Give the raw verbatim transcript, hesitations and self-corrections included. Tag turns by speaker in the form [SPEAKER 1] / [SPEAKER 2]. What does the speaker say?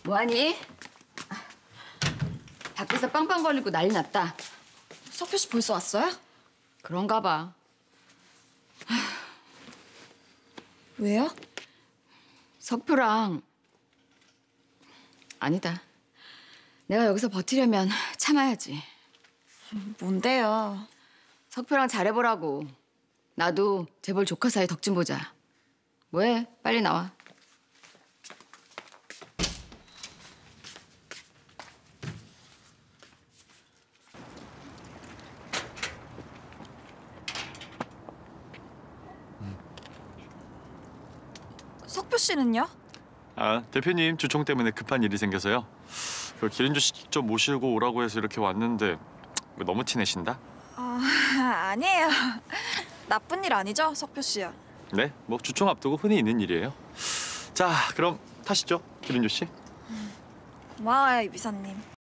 [SPEAKER 1] 뭐하니? 밖에서 빵빵 걸리고 난리 났다.
[SPEAKER 2] 석표 씨 벌써 왔어요?
[SPEAKER 1] 그런가 봐.
[SPEAKER 2] 왜요?
[SPEAKER 1] 석표랑... 아니다. 내가 여기서 버티려면 참아야지.
[SPEAKER 2] 뭔데요?
[SPEAKER 1] 석표랑 잘해보라고. 나도 재벌 조카 사이 덕 좀 보자. 뭐해? 빨리 나와.
[SPEAKER 2] 석표 씨는요?
[SPEAKER 3] 아, 대표님 주총 때문에 급한 일이 생겨서요. 그 기린주 씨 직접 모시고 오라고 해서 이렇게 왔는데 너무 티내신다?
[SPEAKER 2] 아, 아니에요. 나쁜 일 아니죠, 석표 씨야?
[SPEAKER 3] 네, 뭐 주총 앞두고 흔히 있는 일이에요. 자, 그럼 타시죠, 기린주 씨.
[SPEAKER 2] 고마워요, 이비사님.